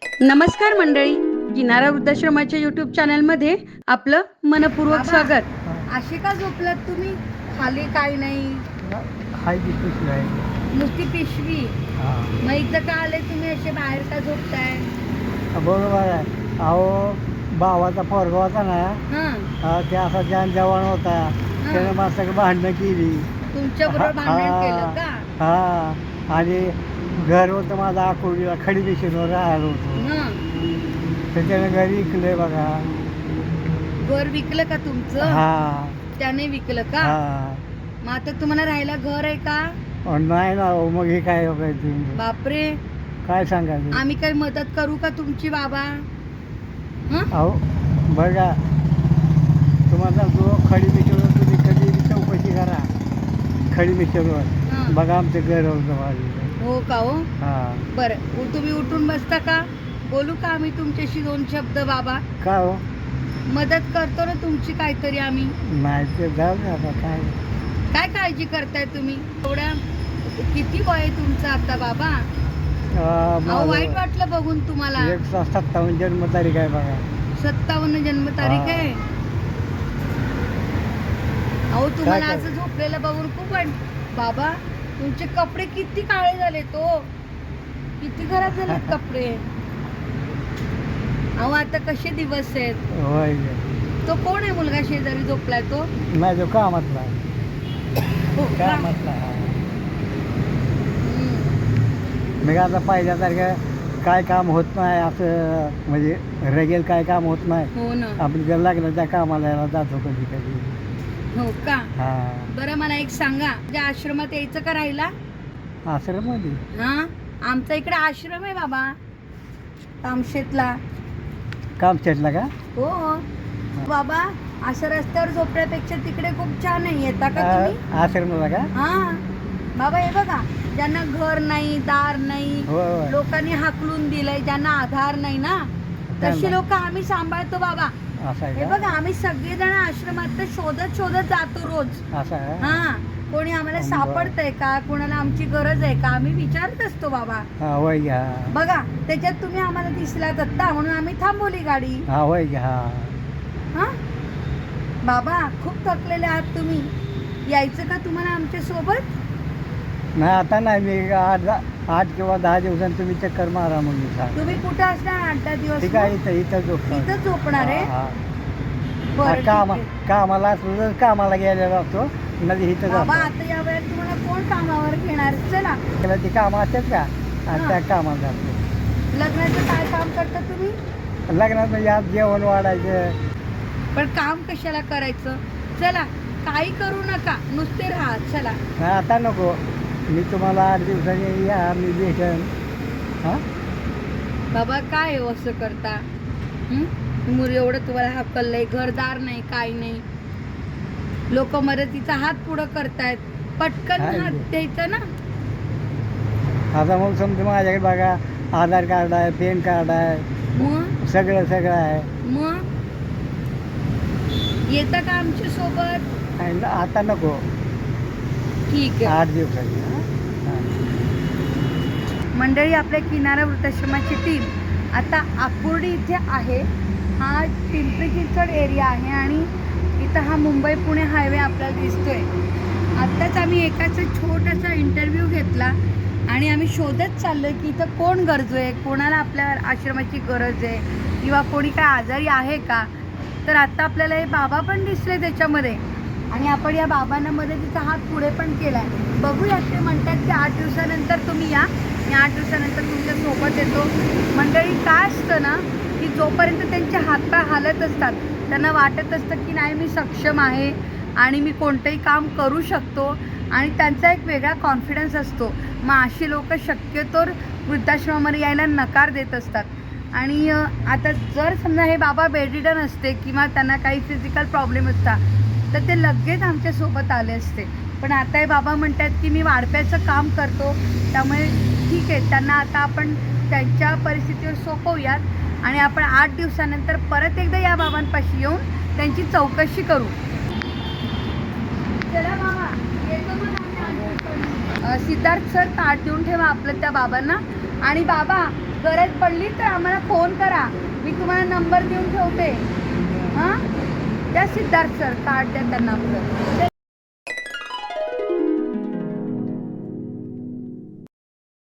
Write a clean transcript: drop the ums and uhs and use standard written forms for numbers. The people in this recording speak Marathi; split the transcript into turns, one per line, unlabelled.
नमस्कार मंडळी, किनारा वृद्धाश्रमाच्या यूट्यूब चॅनलमध्ये आपलं मनपूर्वक स्वागत.
अशी का झोपलात तुम्ही? खाली काही नाही,
हाय ती पिशवी आहे.
नुसती पिशवी. मग इथं का आले तुम्ही? असे बाहेर का झोपताय?
बरोबर आहे. अहो भावाचा पोरगा होता ना, ते असा जान जवान होता, त्याने माझ्याकडे भांडणं केली.
तुमच्या बरोबर भांडण केलं का?
हा, आणि घर होतं माझं अकोलीला, खडी पिशवीवर राहिलो होतो. तर त्याने घरी विकलंय बघा.
घर विकलं का तुमचं?
हा.
त्याने विकलं का? मग आता तुम्हाला राहायला घर आहे का?
नाही ना. मग हे काय बघायचं?
बापरे,
काय सांगायचं?
आम्ही काही मदत करू का तुमची बाबा?
अहो बघा, तुम्हाला सांगतो, खडी मिशनवर तुम्ही कधी चौकशी करा. खडी मिशनवर बघा, आमचं घर होतं.
हो का? हो,
हां.
बरं. तुम्ही उठून बसता का? बोलू का आम्ही तुमच्याशी दोन शब्द बाबा?
का हो?
मदत करतो ना तुमची काहीतरी आम्ही.
नाही ते जाऊ दे आता. काय
काय काळजी करताय तुम्ही? एवढ्या किती वय आहे तुमचं आता बाबा? अहो, वाईट वाटलं बघून तुम्हाला.
157 जन्मतारीख आहे बघा.
57 जन्मतारीख आहे. अहो, तुम्हाला
काय?
असं झोपलेलं बघून खूप बाबा, तुमचे कपडे किती काळे झाले, तो किती खराब झालेत कपडे. अहो, आता कसे दिवस आहेत.
होय.
तो कोण आहे मुलगा शेजारी झोपलाय तो?
नाही, तो कामातला आहे.
हो का?
कामातला आहे. मग आता पहिल्यासारखं काय काम होत नाही, असं म्हणजे रेगेल काय काम होत नाही.
हो ना.
आपण जर लागलं त्या कामाला यायला जातो कधी कधी.
हो का?
हा.
बरं, मला एक सांगा, त्या आश्रमात यायचं का राहिला?
आश्रममध्ये?
हा, आमचा इकडे आश्रम आहे बाबा, कामशेतला.
काम छेडला का?
हो बाबा, असं रस्त्यावर झोपण्यापेक्षा तिकडे खूप छान आहे. येता का तुम्ही?
आश्रमला का?
हा बाबा, हे बघा, ज्यांना घर नाही, दार नाही,
होय.
लोकांनी हाकलून दिलंय, ज्यांना आधार नाही ना, तशी लोक आम्ही सांभाळतो बाबा.
असं
हे
आहे का?
बघा, आम्ही सगळेजण आश्रमात शोधत शोधत जातो रोज.
असं आहे?
हा, कोणी आम्हाला
बरं.
सापडतंय का, कोणाला आमची गरज आहे का, आम्ही विचारत असतो बाबा.
हा, होय घ्या.
बघा, त्याच्यात तुम्ही आम्हाला दिसलात आत्ता, म्हणून आम्ही थांबवली गाडी.
हा, होय घ्या.
हा बाबा, खूप थकलेले आहात तुम्ही. यायचं का तुम्हाला आमच्या सोबत?
नाही, आता नाही. मी 8 किंवा 10 दिवसांनी तुम्ही चक्कर मारा म्हणून सांग.
तुम्ही कुठं असणार 8-10 दिवस?
ठीक आहे, इथं झोपतो.
इथं झोपणार आहे?
हा,
बरं, ठीक आहे.
कामाला असलं तर कामाला गेलेला जातो, नाही इथं
बाबा,
जातो.
आता या वेळेत तुम्हाला कोण कामावर घेणार? चला.
त्याला ती कामं असतात का? आणि
हा.
त्या कामाला जातो.
लग्नाचं काय काम करता तुम्ही?
लग्नात म्हणजे आज जेवण वाढायचं.
पण काम कशाला करायचं? चला, काही करू नका, नुसते राहा. चला.
नाही, आता नको. मी तुम्हाला 8 दिवसांनी या, मी भेटेन. हां.
बाबा, काय हो असं करता? एवढं तुम्हाला हकललंय, घरदार नाही, काय नाही. लोक मदतीचा हात पुढं करतायत, पटकन
काय
हात
ते?
द्यायचा ना.
आता मग समजा माझ्याकडे बघा, आधार कार्ड आहे, पॅन कार्ड आहे,
मग
सगळं आहे.
येता का आमच्या सोबत?
आणि आता नको.
ठीक आहे.
8 दिवसांनी. हां.
मंडळी, आपल्या किनारा वृद्धाश्रमाची टीम आता आकुर्डी इथे आहे. हा पिंपरी चिंचवड एरिया आहे आणि इथं हा मुंबई पुणे हायवे आपल्याला दिसतोय. आत्ताच आम्ही एकाचा छोटासा इंटरव्ह्यू घेतला आणि आम्ही शोधत चाललो की इथं कोण गरजू आहे, कोणाला आपल्या आश्रमाची गरज आहे, किंवा कोणी काय आजारी आहे का. तर आत्ता आपल्याला हे बाबा पण दिसले त्याच्यामध्ये, आणि आपण या बाबांना मदतीचा हात पुढे पण केला आहे. बघूया, ते म्हणतात की 8 दिवसानंतर तुम्ही या, मी 8 दिवसानंतर तुमच्या सोबत येतो. मंडळी, काय असतं ना, की जोपर्यंत त्यांचे हातपाय हालत असतात, त्यांना वाटत असतं की नाही, मी सक्षम आहे आणि मी कोणतंही काम करू शकतो, आणि त्यांचा एक वेगळा कॉन्फिडन्स असतो. मग अशी लोक शक्यतोवर वृद्धाश्रमामध्ये यायला नकार देत असतात. आणि आता जर समजा हे बाबा बेडरिडन असते किंवा त्यांना काही फिजिकल प्रॉब्लेम असता, तर ते लगेच आमच्यासोबत आले असते. पण आता हे बाबा म्हणतात की मी वाढप्याचं काम करतो, त्यामुळे ठीक आहे, त्यांना आता आपण त्यांच्या परिस्थितीवर सोपवूयात आणि आपण 8 दिवसानंतर परत एकदा या बाबांपाशी येऊन त्यांची चौकशी करू. चला बाबा, येतो मग आम्ही 8 दिवसांनी. सिद्धार्थ सर, ताट देऊन ठेवा आपलं त्या बाबांना. आणि बाबा, गरज पडली तर आम्हाला फोन करा, मी तुम्हाला नंबर देऊन ठेवते. हां, त्या सिद्धार्थ सर कार्ड द्या त्यांना आपलं.